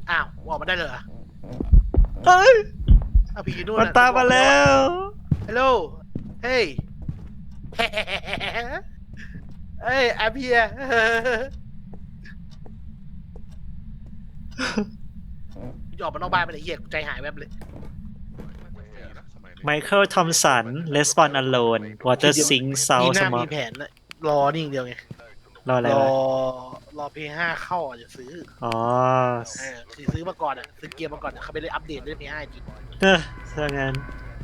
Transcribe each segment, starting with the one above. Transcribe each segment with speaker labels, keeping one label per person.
Speaker 1: อ้าวออกมาได้เลยเหรอ
Speaker 2: เฮ้ย
Speaker 1: อ้าวพี่อยู่นู่น
Speaker 2: มันตามมาแล้ว
Speaker 1: ฮัลโหลเฮ้ยเฮ้ยอาเพียจะออกมานอกบ้านไปเลยเหี้ยใจหายแวบเลย
Speaker 2: ไมเคิลทอมสัน Respond Alone Water Sink
Speaker 1: มี
Speaker 2: South
Speaker 1: หน้า
Speaker 2: Smoke
Speaker 1: มีแผนนะรอนี่อย่างเดียวไง
Speaker 2: รออะไร
Speaker 1: รอ
Speaker 2: วะ
Speaker 1: รอเพย์ห้าเข้าอ่ะจะซื้อ
Speaker 2: อ๋อ
Speaker 1: คือซื้อมาก่อนอ่ะซื้อเกียร์มาก่อนเขาไปเลยอัปเดตเรื่องเพย์ห้าจริง
Speaker 2: ถ้างั้น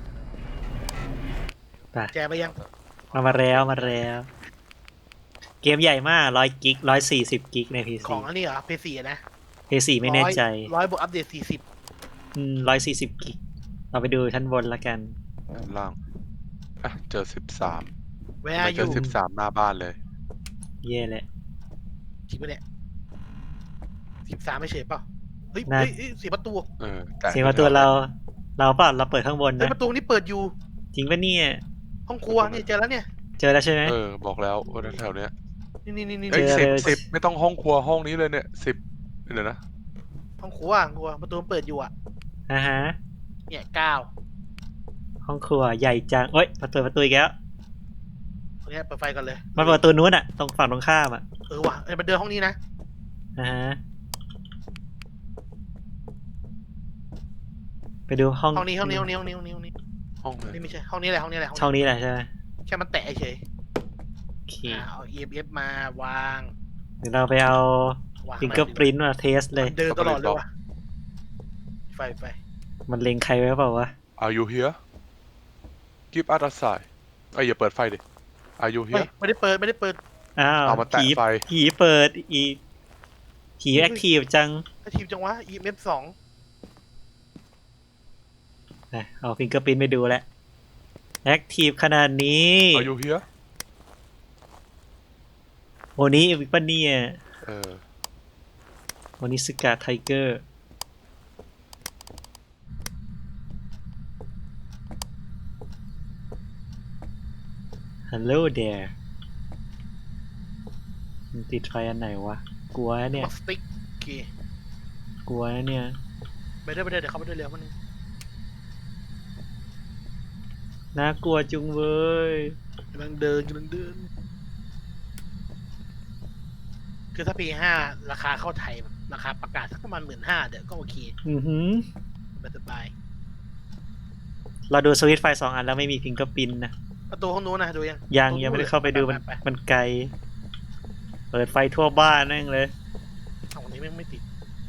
Speaker 2: ไป
Speaker 1: แจไปยัง
Speaker 2: มาแล้ว เกมใหญ่มาก100 กิก140 กิกใน PC
Speaker 1: ของอันนี้เหรอเพย์สี่นะ
Speaker 2: PC ไม่แน่ใจ
Speaker 1: ร้อยบวกอัปเดต40
Speaker 2: 140 กิกเราไปดูชั้นบนละกัน
Speaker 3: ด้านล่างอ่ะเจอ13
Speaker 1: แว
Speaker 3: ไม่
Speaker 1: ร์อ
Speaker 3: เจอยู่ 13หน้าบ้านเลย
Speaker 2: เย่แหละ
Speaker 1: จริงปะเนี่ย13ไม่เฉยเปล่าเฮ้ย
Speaker 2: น่า
Speaker 1: เฮ้ยเสียประตู
Speaker 3: แต่
Speaker 2: เสียงประตูเราเปล่าเราเปิดข้างบน
Speaker 1: เฮ้ย
Speaker 2: นะ
Speaker 1: ประตูนี่เปิดอยู่
Speaker 2: จริงปะเนี่ย
Speaker 1: ห้องครัวเนี่ยเจอแล้วเนี่ย
Speaker 2: เจอแล้วใช่ไหม
Speaker 3: บอกแล้วว่าแถวเนี้ย
Speaker 1: นี่
Speaker 3: เอ้ย
Speaker 2: เจอ
Speaker 3: 10ไม่ต้องห้องครัวห้องนี้เลยเนี่ย10เดี๋ยวนะ
Speaker 1: ห้องครัวประตูมันเปิดอยู่อ่ะ
Speaker 2: ฮะ
Speaker 1: เนี่ย9
Speaker 2: ห้องครัวใหญ่จังเอ้ยประตูอีกแล้ว
Speaker 1: ตรงเนี้ยเปิดไฟกันเลย
Speaker 2: มันเปิดประตูนู้นอะตรงฝั่งตรงข้ามอะ
Speaker 1: ว่ะมันเดินห้องนี้นะ
Speaker 2: ฮะไปดูห้อง
Speaker 1: ห้องนี้
Speaker 3: ห้องไหน
Speaker 1: นี่ไม่ใช่ห้องนี้แหละ
Speaker 2: ช่องนี้แหละใช่ไหม
Speaker 1: แค่มันแตะเฉย
Speaker 2: โอเค
Speaker 1: เอา EMF มาวาง
Speaker 2: เดี๋ยวเราไปเอา
Speaker 1: วาง
Speaker 2: ฟิงเกอร์ปรินต์มาเทสเลย
Speaker 1: มันเดินตลอดเลยว่ะไฟ
Speaker 2: มันเล็งใครไว้เปล่าวะ
Speaker 3: Are you here Give us a sign อย่าเปิดไฟดิ Are you
Speaker 1: เฮ้ย
Speaker 3: here
Speaker 1: ไม่ได้เปิด
Speaker 2: อ้าว
Speaker 3: เอามาแตะไฟ
Speaker 2: ผีเปิดอีกผีแอคทีฟจัง
Speaker 1: ถ้าทีมจังวะ EMF 2
Speaker 2: นะเอาฟิงเกอร์ปรินต์ไปดูแล้วแอคทีฟขนาดนี้
Speaker 3: Are you here
Speaker 2: โอ้นี้วิปเนีย
Speaker 3: อ
Speaker 2: โอนิสกาไทเกอร์ฮัลโหลเดร์มันติดไฟอันไหนวะ กลัวนะเนี่ย
Speaker 1: สติ๊กโอเค
Speaker 2: กลัวนะเนี่ย
Speaker 1: ไปเรื่อยเดี๋ยวเขาไปเรื่อยๆมันง
Speaker 2: น่ากลัวจุงเว้ย
Speaker 1: กำลังเดินคือถ้าปี5ราคาเข้าไทยแบบราคาประกาศสักประมาณ15,000เดี๋ยวก็โอเค
Speaker 2: อือหือ
Speaker 1: สบาย
Speaker 2: เราดูสวิตช์ไฟ2 อันแล้วไม่มีฟิงเกอร์ปินนะ
Speaker 1: ประตูห้องนู้นนะดูยัง
Speaker 2: ยังไม่ได้เข้าไปดูมัน
Speaker 1: ไป
Speaker 2: มันไกล เปิดไฟทั่วบ้านนั่งเลย
Speaker 1: ห้องนี้ไม่ติด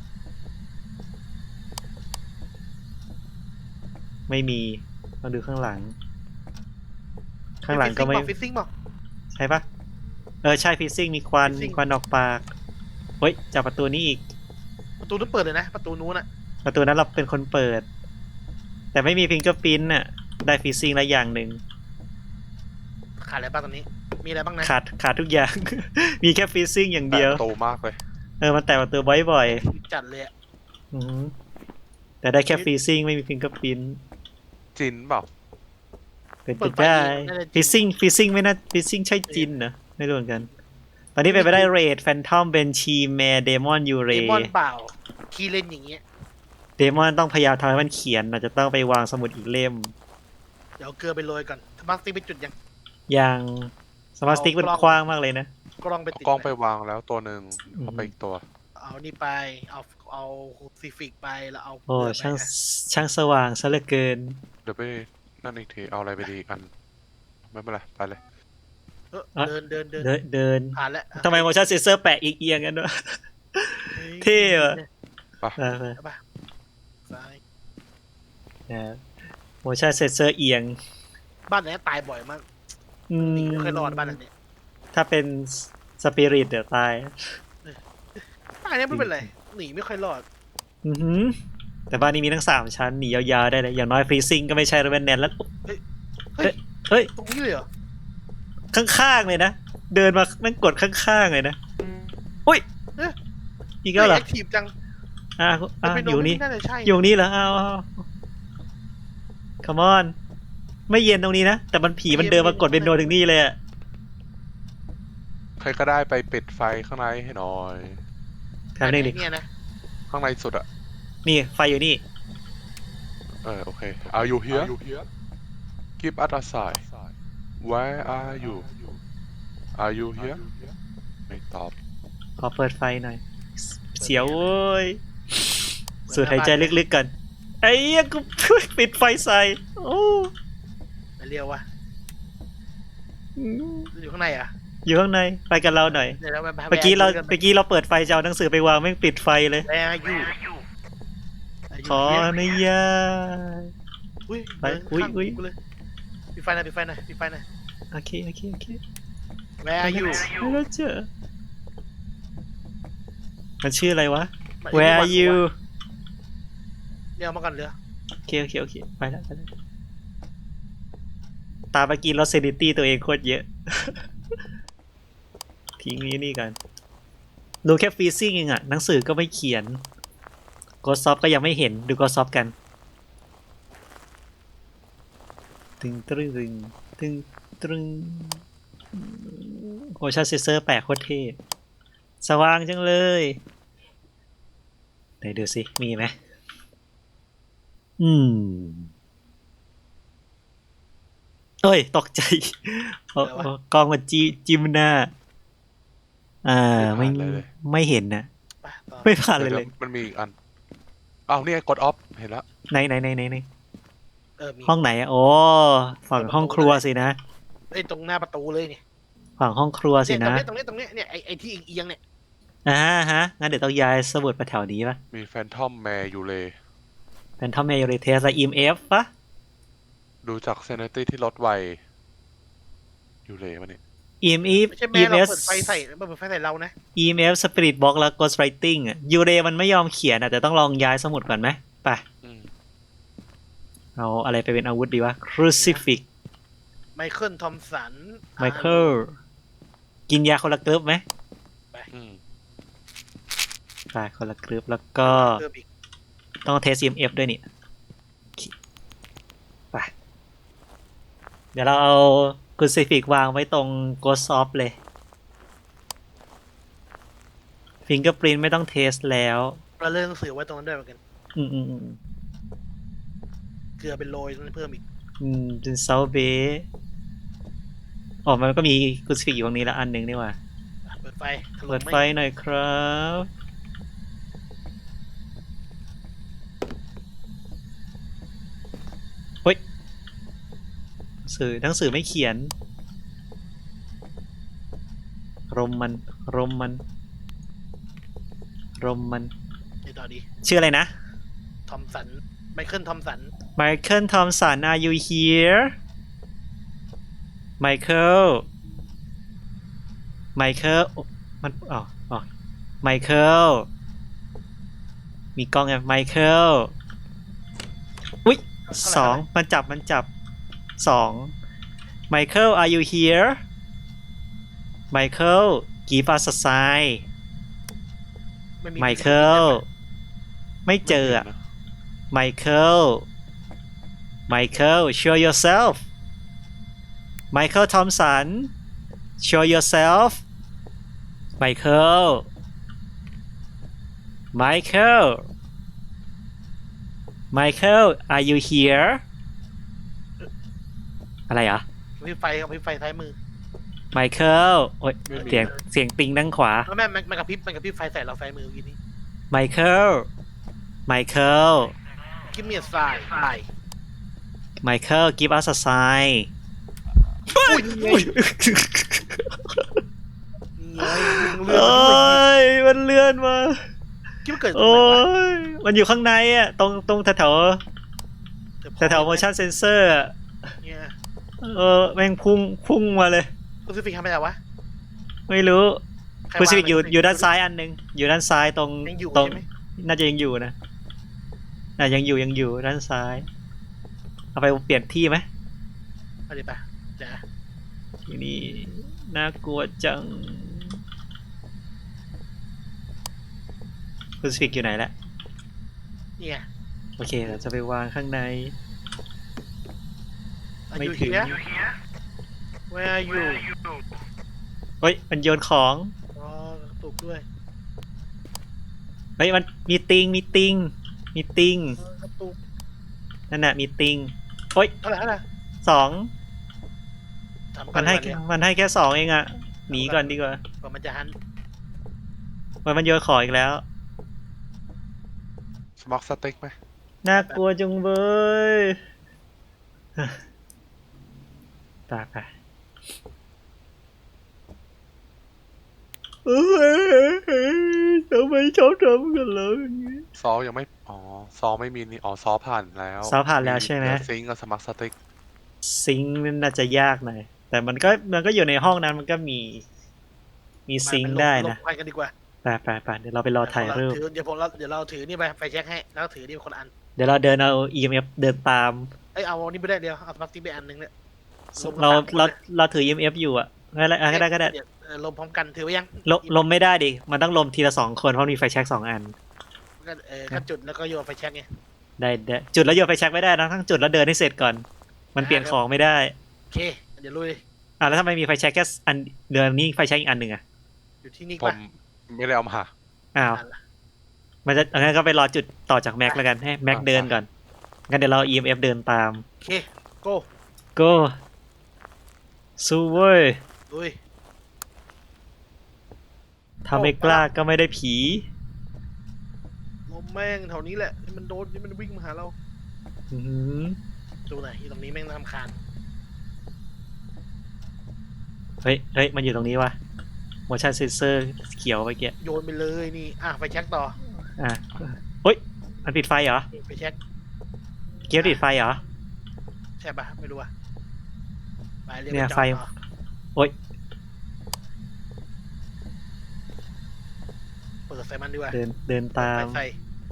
Speaker 2: ไม่มีมาดูข้างหลัง ข้างหลังก็ไม่
Speaker 1: ฟิซซิ่งป่ะ
Speaker 2: ใช่ปะใช่ฟิซซิ่งมีควัน
Speaker 1: ฟิซซิ่ง
Speaker 2: มีควันออกปากเฮ้ยจับประตูนี้อีก
Speaker 1: ประตูนู้นเปิดเลยนะประตูนู้นอะ
Speaker 2: ประตูนั้นเราเป็นคนเปิด แต่ไม่มีฟิงเกอร์พิ้นน่ะ ได้ฟิซซิ่งละอย่างหนึ่ง
Speaker 1: ขาดอะไรบ้างตอนนี้ มีอะไรบ้างนะ
Speaker 2: ขาดทุกอย่าง มีแค่ฟิซซิ่งอย่างเดียว
Speaker 3: โตมากเลย
Speaker 2: มันแตะประตูบ่อย
Speaker 1: จัดเลยอะ
Speaker 2: ๆอือหือแต่ได้แค่ฟิซซิ่งไม่มีฟิงเกอร์พิ้น
Speaker 3: จินเปล่า
Speaker 2: เป็นไปได้ฟิซซิ่งไม่น่าฟิซซิ่งใช่จินนะไม่รู้เหมือนกัน ตอนนี้เป็นไปได้เรดแฟนทอมเบนชีแมร์เดมอนยูเร
Speaker 1: เดมอนเปล่าคีย์เล่นอย่างเงี้ย
Speaker 2: เดมอนต้องพยายามทำให้มันเขียนอาจจะต้องไปวางสมุดอีกเล่ม
Speaker 1: เดี๋ยวเอาเกลือไปโรยก่อนสมาร์ทสติ๊กไปจุดยัง
Speaker 2: อย่างสมาร์ทสติ๊กมันกว้างมากเลยนะ
Speaker 1: กล้องไป
Speaker 3: เอา
Speaker 1: ติด
Speaker 3: กล้องไปวางแล้วตัวหนึ่งเอาไปอีกตัว
Speaker 1: เอานี่ไปเอาซีฟิกไปแล้วเอา
Speaker 2: โอ้
Speaker 1: เกลืไป
Speaker 2: ช่างสว่างซะเหลือเกิน
Speaker 3: เดี๋ยวไปนั่นอีกทีเอาอะไรไปดีอีกอันไม่เป็นไรไปเลย
Speaker 1: เดิน
Speaker 2: เดิน
Speaker 1: ผ่านแล้ว
Speaker 2: ทำไมโมชั่นเซนเซอร์แปะอีกเอียงกันวะ เท่อะ
Speaker 3: ไป
Speaker 1: ไปซ้าย
Speaker 2: โมชั่นเซนเซอร์เอียง
Speaker 1: บ้านไหนตายบ่อยมากหนีไม่เคยรอดบ้านไหน
Speaker 2: ถ้าเป็นสปิริตเดี๋ยวตาย
Speaker 1: บ้านนี้ไม่เป็นไรหนีไม่ค่อยรอด
Speaker 2: อือหือแต่บ้านนี้มีทั้ง3 ชั้นหนียาวๆได้เลยอย่างน้อยฟรีซิ่งก็ไม่ใช่เรเวนแนนแล้ว เฮ้ย
Speaker 1: ตรงนี้เลยเหรอ
Speaker 2: ข้างๆเลยนะ เดินมาแม่งกดข้างๆเลยนะอุ้ยอีกแล้วเหรอ
Speaker 1: แอคทีฟจัง
Speaker 2: อยู่นี่
Speaker 1: น่าจะใช่
Speaker 2: อยู่นี่เหรอเอาคัมออนไม่เย็นตรงนี้นะ แต่มันผีมันเดินมากดเป็นโนถึงนี่เลยอะ
Speaker 3: ใครก็ได้ไปปิดไฟข้างในให้หน่อย
Speaker 2: ทำได้ดิ
Speaker 1: เนี่ยนะ
Speaker 3: ข้างในสุดอะ
Speaker 2: นี่ไฟอยู่นี่
Speaker 3: โอเค Are you here Give us a sign Where are you Are you here ไม่ตอบ
Speaker 2: ขอเปิดไฟหน่อย เสียวเว้ยสูดหายใจลึกๆกันไอ้เหี้ยกู ปิดไฟใส่โอ้
Speaker 1: ไปเรียววะอยู่ข้างในอ่ะ
Speaker 2: อยู่ข้างในไปกันเราหน่อย
Speaker 1: เดี๋ยวเราไป
Speaker 2: เมื่อกี้เราเปิดไฟจะเอาหนังสือไปวางแม่งปิดไฟเลย
Speaker 1: แวร์อยู่
Speaker 2: ขออนุญาต
Speaker 1: อุ้ย
Speaker 2: ไปอุ๊ย
Speaker 1: ปิดไฟหน่อยปิดไฟหน่อยปิดไฟหน่อย
Speaker 2: โอเค
Speaker 1: แวร์อยู่
Speaker 2: ไม่รู้เจอมันชื่ออะไรวะ Where are you
Speaker 1: เรียวมาก่อนเรือ
Speaker 2: โอเคไปแล้วตาเมื่อกี้ลอสเซนิตี้ตัวเองโคตรเยอะ ทิ้งนี่กันดูแค่ฟีซิ่งเองอะหนังสือก็ไม่เขียนโกซอฟก็ยังไม่เห็นดูโกซอฟกันตึงโอชั่นเซเซอร์แปลกโคตรเท่สว่างจังเลยไหนดูสิมีไหมเอ้ยตกใจกล้องมันจิ้มหน้าไม่เห็นนะ
Speaker 1: ไปต่อ
Speaker 2: ไม่ผ่านเลย
Speaker 3: มันมีอีกอันอ้าวนี่ไงกดออฟเห็นแล้ว
Speaker 2: ไหน
Speaker 1: มี
Speaker 2: ห้องไหนอ่ะโอ้ฝั่งห้องครัวสินะ
Speaker 1: ไอ้ตรงหน้าประตูเลยเนี่ย
Speaker 2: ฝั่งห้องครัวสิ
Speaker 1: เนี่ย
Speaker 2: นะ
Speaker 1: ตรงนี้เนี่ยไอ้ที่เอียงๆเนี่ย
Speaker 2: ฮะงั้นเดี๋ยวต้องย้ายสมุดไปแถวนี้ป่ะ
Speaker 3: มีแฟนทอมแมร์อยู่เลย
Speaker 2: เป็นทอมเมย์เรเทสและ EMF ป่ะ
Speaker 3: ดูจากเซนตี้ที่ลดไวอยู่เลยมันนี่
Speaker 2: EMF
Speaker 1: ไม่ใช่แม่เรา
Speaker 2: EMF
Speaker 1: เปิดไฟใส่เรานะ
Speaker 2: EMF Spirit Box และ Ghost Writing อ่ะยูเรมันไม่ยอมเขียนอ่ะแต่ต้องลองย้ายสมุดก่อนไหมไปเอาอะไรไปเป็นอาวุธดีวะ Crucifix
Speaker 1: ไมเคิลทอมสัน
Speaker 2: Michael กินยาคนละกรึ๊บไหมไปคนละกรึ๊บแล้วก็ต้องเทส EMF ด้วยนี่ไปเดี๋ยวเราเอา Crucifix วางไว้ตรง Ghost of เลย Fingerprint ไม่ต้องเทสแล้ว
Speaker 1: เราเลื่อนหนังสือไว้ตรงนั้นด้วยเหมือนกัน
Speaker 2: อืม
Speaker 1: เกลือเป็นโรยเพิ่มอีก
Speaker 2: เป็นเซาเบอ๋อมันก็มี Crucifix อยู่ตรงนี้แล้วอันหนึ่งนี่หว่า
Speaker 1: เปิดไฟถล่ม
Speaker 2: เปิดไฟหน่อยครับเฮ้ยหนังสือไม่เขียนรมมัน
Speaker 1: ไอ้ต่อดี
Speaker 2: ชื่ออะไรนะ
Speaker 1: ทอมสันไมเคิลทอมสัน
Speaker 2: Michael Thompson are you here Michael มันMichael มีกล้องไง Michael อุ๊ย2มันจับ2 Michael are you here Michael give us a sign
Speaker 1: ไม่มี
Speaker 2: Michael ไม่เจออะ Michael show yourself Michael Thompson show yourself Michael are you here อะไรอ่ะ
Speaker 1: พี่ไฟซ้ายมือ
Speaker 2: Michael โอ้ยเสียงปิงด้านขวา
Speaker 1: แล้วแม่มันกระพริบไฟใส่เราซ้ายมือวินี่
Speaker 2: Michael
Speaker 1: กิมเมียสายไป
Speaker 2: Michael give us a sign
Speaker 1: อุ้ย
Speaker 2: โอ้ยมันเลื่อนมา
Speaker 1: คิดว่าเกิด
Speaker 2: โอ้ยมันอยู่ข้างในอ่ะตรงแถว motion sensor อ่ะ
Speaker 1: เนี่ย
Speaker 2: แม่งพุ่งมาเลย
Speaker 1: คุณซิฟิกทำอะไรวะ
Speaker 2: ไม่รู้คุณซิฟิกอยู่ด้านซ้ายอันนึงอยู่ด้านซ้ายตรง
Speaker 1: ยังอยู่
Speaker 2: ตรง
Speaker 1: ใช่ไหม
Speaker 2: น่าจะยังอยู่นะยังอยู่ด้านซ้ายเอาไปเปลี่ยนที่ไหม
Speaker 1: เอาดิป่ะเดี๋ยว
Speaker 2: ที่นี่น่ากลัวจังคุณซิฟิกอยู่ไหนละ
Speaker 1: นี่ไง
Speaker 2: โอเคเราจะไปวางข้างใน ไม่
Speaker 1: อยู่
Speaker 2: ถึง
Speaker 1: เฮีย Where are you
Speaker 2: เฮ้ยมันโยนของ
Speaker 1: อ๋อกระตุกด้วย
Speaker 2: เฮ้ยมันมีติงมีติ้ง
Speaker 1: กระตุก
Speaker 2: นั่นน่ะมีติ้งโอ๊ย
Speaker 1: เท่าไหร่
Speaker 2: สอง
Speaker 1: ถามก่
Speaker 2: มันให้
Speaker 1: ดีกว่า
Speaker 2: มันให้แค่สองเองอะหนีก่อนดีกว่า
Speaker 1: ว่ามันจะหัน
Speaker 2: มันโยนของอีกแล้ว
Speaker 3: สมัครสเต็กไหม
Speaker 2: น่ากลัวจุงเบยตายไปทำไมชอบทำกันเลยอย่างนี้
Speaker 3: ซอยังไม่อ๋อซอไม่มีนี่อ๋อซอผ่านแล้ว
Speaker 2: ซอผ่านแล้วใช่ไหม
Speaker 3: ซิงกับสมัครสเต็ก
Speaker 2: ซิงค์นั่นน่าจะยากหน่อยแต่มันก็อยู่ในห้องนั้นมันก็มีซิงค์ได้นะ
Speaker 1: ลงไปกันดีกว่า
Speaker 2: ไปเดี๋ยวเราไปรอถ่ายรูป
Speaker 1: เดี๋ยวเราถือนี่ไปเช็คให้แล้วถือนี่คนละอัน
Speaker 2: เดี๋ยวเราเดินเอา EMF เดินตาม
Speaker 1: เอ้ยเอาอันนี้ไม่ได้เดียวเอาสมาร์ทติ๊กไปอันหนึงเนี่ย
Speaker 2: เราถือ EMF อยู่อะก็ได้
Speaker 1: เดี๋ยวลมพร้อมกันถือไว้ยัง
Speaker 2: ลมไม่ได้ดิมันต้องลมทีละ2 คนเพราะมีไฟแช็ก2 อัน
Speaker 1: ก็จุดแล้วก็โยนไฟแช็กไง
Speaker 2: ได้จุดแล้วโยนไฟแช็กไม่ได้นะทั้งจุดแล้วเดินให้เสร็จก่อน มันเปลี่ยนของไม่ได้
Speaker 1: โอเคเดี๋ยวลุย
Speaker 2: แล้วทำไมมีไฟแช็กแค่อันเดือนนี้ไฟแช็กอีกอันหนึ่งอะ
Speaker 1: อยู่ที่นี่
Speaker 3: ผ
Speaker 1: ป่ะ
Speaker 3: มไม่ได้เอามา
Speaker 2: อ้าวมันจะงั้นก็ไปรอจุดต่อจากแม็กแล้วกันให้แม็กเดินก่อนงั้นเดี๋ยวเรา EMF เดินตาม
Speaker 1: โอเคโก้
Speaker 2: go สู้เว้ย
Speaker 1: ลุย
Speaker 2: ถ้าไม่กล้าก็ไม่ได้ผี
Speaker 1: ลมแม่งแถวนี้แหละนี่มันโดนนี่มันวิ่งมาหาเรา
Speaker 2: อื้อหือ
Speaker 1: ดูหน่อยตรงนี้แม่งน่ารำคาญ
Speaker 2: เฮ้ยมันอยู่ตรงนี้วะ motion sensor เขียวไปเกี้ย
Speaker 1: โยนไปเลยนี่ไฟแช็กต่อ
Speaker 2: อ่ะเฮ้ยมันปิดไฟเหรอ
Speaker 1: ไฟแช็ก
Speaker 2: เกียร์ปิดไฟเหรอ
Speaker 1: ใช่ป่ะไม่รู้อ่ะไปเรียก
Speaker 2: เนี่ย
Speaker 1: ปจอด
Speaker 2: ไฟ
Speaker 1: ต่อ
Speaker 2: โอ๊ย
Speaker 1: เปิดใส่มันดีกว่า
Speaker 2: เดินตาม
Speaker 1: ใส่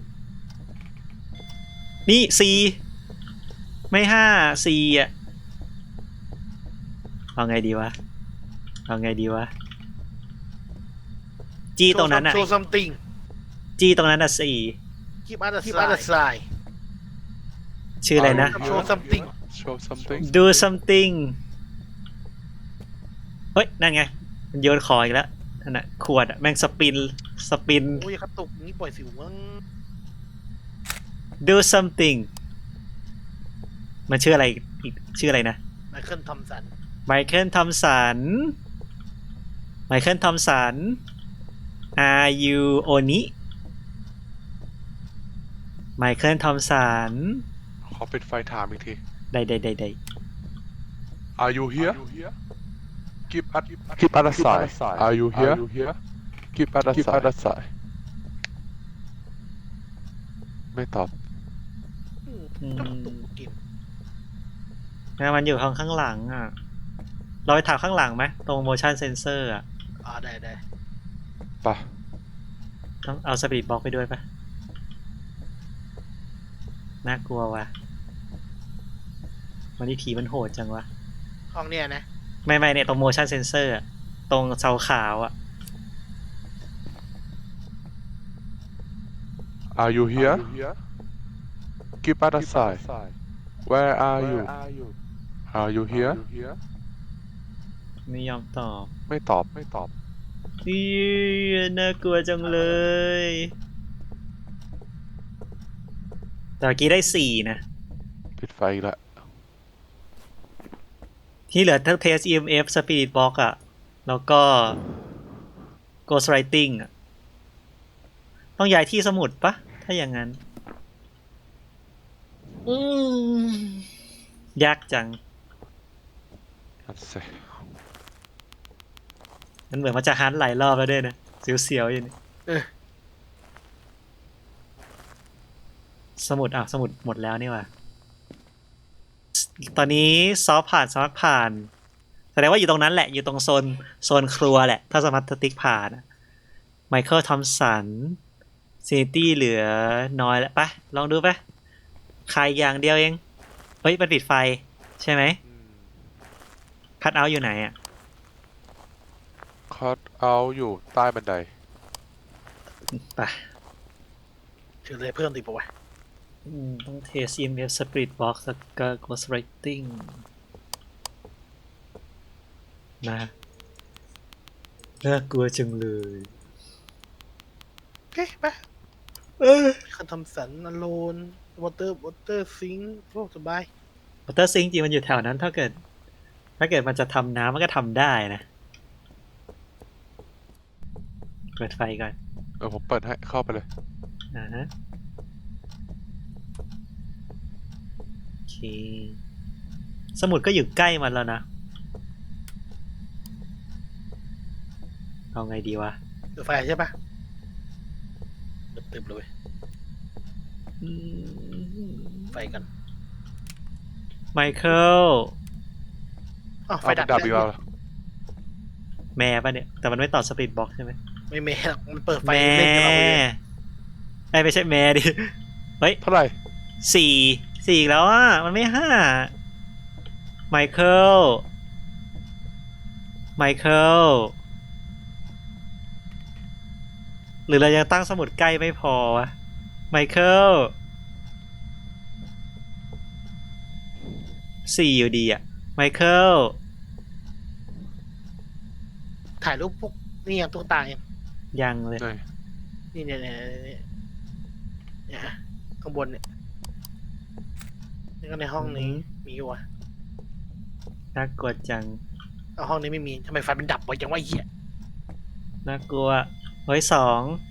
Speaker 2: นี่ไม่4อ่ะเอาไงดีวะจี้ตรงนั้นอ่ะ
Speaker 1: โชว์ซัมติง
Speaker 2: จี้ตรงนั้นอ่ะ
Speaker 1: คีบอัตไซ
Speaker 2: ชื่ออะไรนะ
Speaker 1: โชว์ซัมติง
Speaker 3: show something
Speaker 2: do something เฮ้ย นั่นไง มันโยนของอีกแล้วนั่นน่ะขวดอ่ะ แม่งสปิน
Speaker 1: โอ้ยกระตุกนี่ปล่อยสิวมั้ง
Speaker 2: do something มันชื่ออะไรอีกชื่ออะไรนะ
Speaker 1: ไมเคิลทอมสัน
Speaker 2: ไมเคิลทอมสัน are you oni ไมเคิลทอมสัน
Speaker 3: ขอปิดไฟถามอีกที
Speaker 2: ได้
Speaker 3: Are you here Keep other side Are you here Keep other side ไม่ตอบ
Speaker 1: กระตุกกิน
Speaker 2: งั้นมันอยู่ข้างหลังอ่ะ เราไปถามข้างหลังไหมตรง motion sensor อ่ะ
Speaker 1: ได้
Speaker 3: ปะ
Speaker 2: ต้องเอาสปีดบล็อกไปด้วยปะน่ากลัวว่ะวันนี้ผีมันโหดจังวะ
Speaker 1: ห้องเนี้ยนะ
Speaker 2: ไม่เนี่ยตรง motion sensor อะตรงเสาขาวอะ
Speaker 3: Are you here Keep other side Where are you Are you here
Speaker 2: ไม่ยอมตอบ
Speaker 3: ไม่ตอบ
Speaker 2: อีน่ากลัวจังเลยแต่เมื่อกี้ได้4นะ
Speaker 3: ปิดไฟอีกละ
Speaker 2: ที่เหลือทั้ง test EMF Spirit Box อะแล้วก็ Ghost Writing อะต้องย้ายที่สมุดปะถ้าอย่างนั้นยากจัง
Speaker 3: นั่นสิ
Speaker 2: มันเหมือนมันจะฮันหลายรอบแล้วด้วยนะเสียวๆอยู่นี่สมุดสมุดหมดแล้วนี่ว่ะตอนนี้ซอฟผ่านสมัครผ่านแสดงว่าอยู่ตรงนั้นแหละอยู่ตรงโซนครัวแหละถ้าสมัครสติ๊กผ่านไมเคิลทอมสันซินิตี้เหลือน้อยแล้วปะลองดูปะใครอย่างเดียวเองเฮ้ยมันปิดไฟใช่ไหมคัทเอาท์อยู่ไหนอ่ะ
Speaker 3: คัทเอาอยู่ใต้บันได
Speaker 2: ไป
Speaker 1: ถือเลยเพิ่มติดปะวะ
Speaker 2: ต้องเทส EMF Spirit Box แล้วก็ Ghost Writing นะน่ากลัวจังเลย
Speaker 1: โอเคไปคันทำสันอโลนวอเตอร์ซิงค์โอ้สบาย
Speaker 2: วอเตอร์ซิงจริงมันอยู่แถวนั้นถ้าเกิดมันจะทำน้ำมันก็ทำได้นะเปิดไฟก่อน
Speaker 3: ผมเปิดให้เข้าไปเลย
Speaker 2: ฮะโอเคสมุดก็อยู่ใกล้มันแล้วนะเอาไงดีวะ
Speaker 1: เปิดไฟใช่ปะตึบเลยเว้ย
Speaker 2: อืม
Speaker 1: ไฟกัน
Speaker 2: ไมเคิล
Speaker 1: อ้าวไฟ
Speaker 3: เอา
Speaker 1: ดับ
Speaker 3: ดับอีกแล้ว
Speaker 2: แม่ป่ะเนี่ยแต่มันไม่ต่อสปีดบ็อกใช่ไหม
Speaker 1: ไม่แม่หรอกมันเปิดไฟ
Speaker 2: แม่
Speaker 1: เล่นกับเราเลย
Speaker 2: ไม่ใช่แม่ดิเฮ้ย
Speaker 3: เท่าไหร่
Speaker 2: สี่อีกแล้วอ่ะมันไม่ห้าไมเคิลหรือเรายังตั้งสมุดใกล้ไม่พอวะไมเคิลสี่อยู่ดีอ่ะไมเคิล
Speaker 1: ถ่ายรูปพวกนี่ยังตุ๊กตายัง
Speaker 2: ยังเลย
Speaker 3: ไหน
Speaker 1: นี่เนี่ยข้างบนเนี่ยนี่ก็ในห้องนี้มีอยู่วะ
Speaker 2: น่ากลัวจัง
Speaker 1: เอาห้องนี้ไม่มีทำไมไฟมันดับวะยังว่าเหี้ย
Speaker 2: น่ากลัวเฮ้ยสอง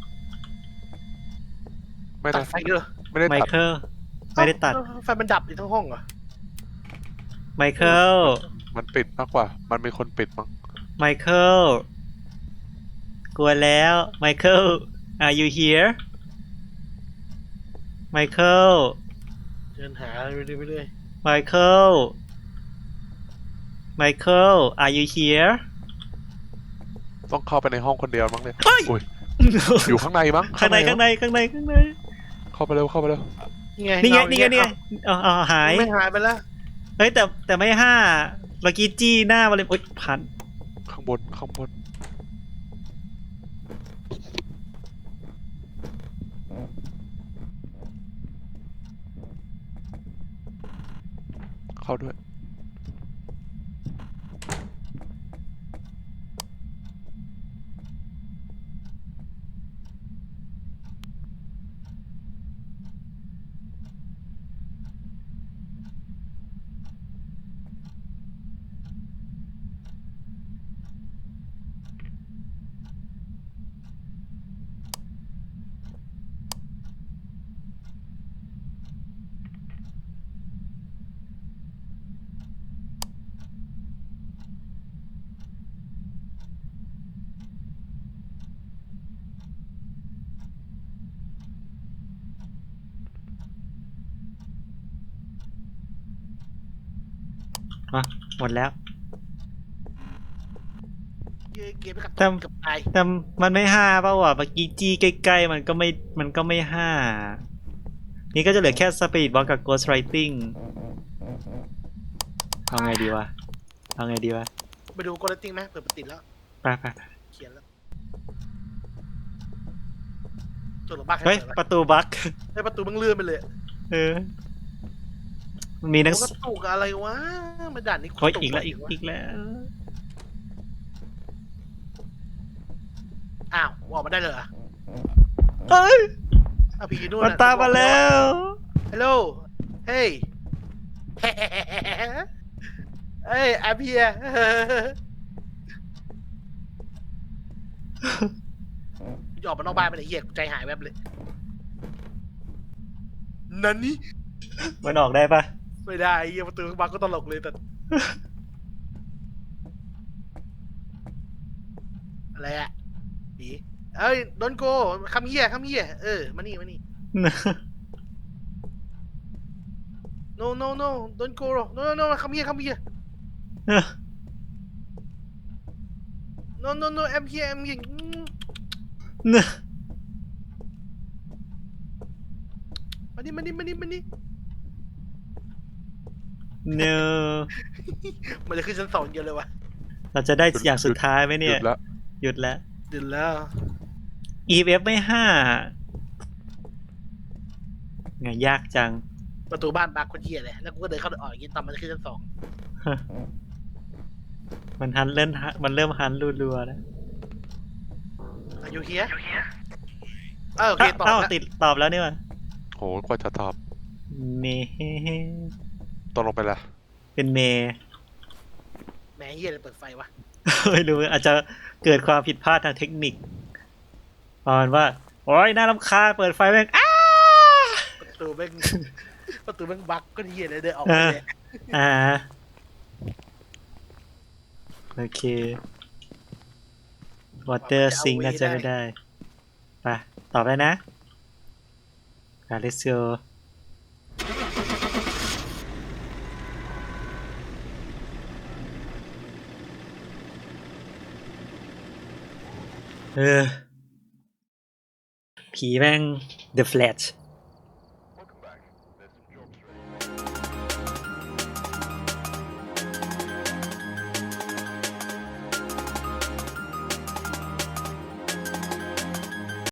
Speaker 3: ไม่
Speaker 1: ตั
Speaker 3: ได้
Speaker 1: ดไฟเยอะ
Speaker 3: ไม่ได้
Speaker 2: ไม
Speaker 3: ตัด
Speaker 2: เคิลไม่ได้ตัด
Speaker 1: เอ้าไฟมันดับอยู่ทั้งห้องเหรอ
Speaker 2: ไมเคิล
Speaker 3: มันปิดมากกว่า มันเป็นคนปิดมั้ง
Speaker 2: ไมเคิลกลัวแล้วไมเคิล are you here ไมเคิล
Speaker 1: เดินหาไปเรื่อย
Speaker 2: ไมเคิล are you here
Speaker 3: ต้องเข้าไปในห้องคนเดียวมั้งเนี่ย
Speaker 2: เฮ้ย
Speaker 3: อุ้ยอยู่ข้างในมั้ง
Speaker 2: ข้างใน
Speaker 3: มั้งเข้าไปเร็วเข้าไปเร็ว
Speaker 1: ๆนี่ไง
Speaker 2: นี่ไง
Speaker 1: เา
Speaker 2: นี่ไงนี่ไงเอาหาย
Speaker 1: ไม่หายไปแล้ว
Speaker 2: เฮ้ยแต่ไม่ห้าเมื่อกี้จี้หน้ามาเลยโอ๊ยพัน
Speaker 3: ข้างบนเข้าด้วย
Speaker 2: มาหมดแล้ว
Speaker 1: เกมไปกับ
Speaker 2: แต่
Speaker 1: กับตาย
Speaker 2: แต่มันไม่ห้าเปล่าวะเมื่อกี้จี้ใกล้ๆมันก็ไม่ห้านี่ก็จะเหลือแค่สปีดบอลกับ Ghost Writing เอาไงดีวะ
Speaker 1: ไปดูโกลติ้งไหมเปิดประติดแล้ว
Speaker 2: ไป
Speaker 1: เขียนแล้วตัวหลบบ้า
Speaker 2: เฮ้ย
Speaker 1: ใคร
Speaker 2: ป
Speaker 1: เปิดวะ
Speaker 2: ระตูบั๊ก
Speaker 1: เฮ้ยประตูมึงเลื่อนไปเลย
Speaker 2: เออมันมีหนัง
Speaker 1: ก
Speaker 2: สื
Speaker 1: ระ
Speaker 2: อ
Speaker 1: ตุกอะไรวะมาด่านนี้
Speaker 2: โอ้ย
Speaker 1: ระตุ
Speaker 2: อีกแล้ว
Speaker 1: ะไร
Speaker 2: อีกแล้ว
Speaker 1: อ้าวออกมาได้เลยเหรอ
Speaker 2: เฮ้ย
Speaker 1: อ้าวผีอยู่นู่น
Speaker 2: มันตามมาแล้ว
Speaker 1: ฮัลโหลเฮ้ย เฮ้ยแอปเพียจะออกมานอกบ้านไปเลยเหี้ยกูใจหายแวบเลยนั่นนี่
Speaker 2: มันออกได้ปะ
Speaker 1: ไม่ได้ไอ้เหี้ยประตูบังก็ตลกเลยแต่อะไรอะผีเอ้ยโดนโกคำเหี้ยมานี่ no don't go no come here no I'm here มานี่
Speaker 2: no
Speaker 1: มันจะขึ้นชั้น 2เดียวเลยวะ
Speaker 2: เราจะได้อย่างสุดท้ายไหม
Speaker 3: ห
Speaker 2: เนี่
Speaker 3: ยุ
Speaker 2: ย
Speaker 3: ดแล้ว
Speaker 2: หยุดแล้ว
Speaker 1: เดือดแล้ว
Speaker 2: EF ไม่ห้าไงยากจัง
Speaker 1: ประตูบ้านบักคนเหี้ยเลยแล้วกูก็เดินเข้าออกอย่างงี้ตอนมันจะขึ้นชั้น
Speaker 2: มันเริ่มฮันรัวๆแล้ว
Speaker 1: 2 Are you here โอเคตอบ
Speaker 2: เอ้า
Speaker 1: แล้ว
Speaker 2: ติดตอบแล้วนี่วะ
Speaker 3: โหกว่าจะตอบ
Speaker 2: เม
Speaker 3: ตกลงไปละ
Speaker 2: เป็นเม
Speaker 1: แหมเฮียเลยเปิดไฟวะ
Speaker 2: ไม่รู้อาจจะเกิดความผิดพลาดทางเทคนิคประมาณว่า โอ้ยน่ารำคาญเปิดไฟแม่งอ้า
Speaker 1: ประตูแม่ง ประตูแม่งบั๊กก็เฮียเลยเดินออกไปเลย
Speaker 2: อ่า โอเค วอเตอร์ซิงน่าจะไม่ได้ ไป ตอบได้นะเลสโกผีแม่ง The Flash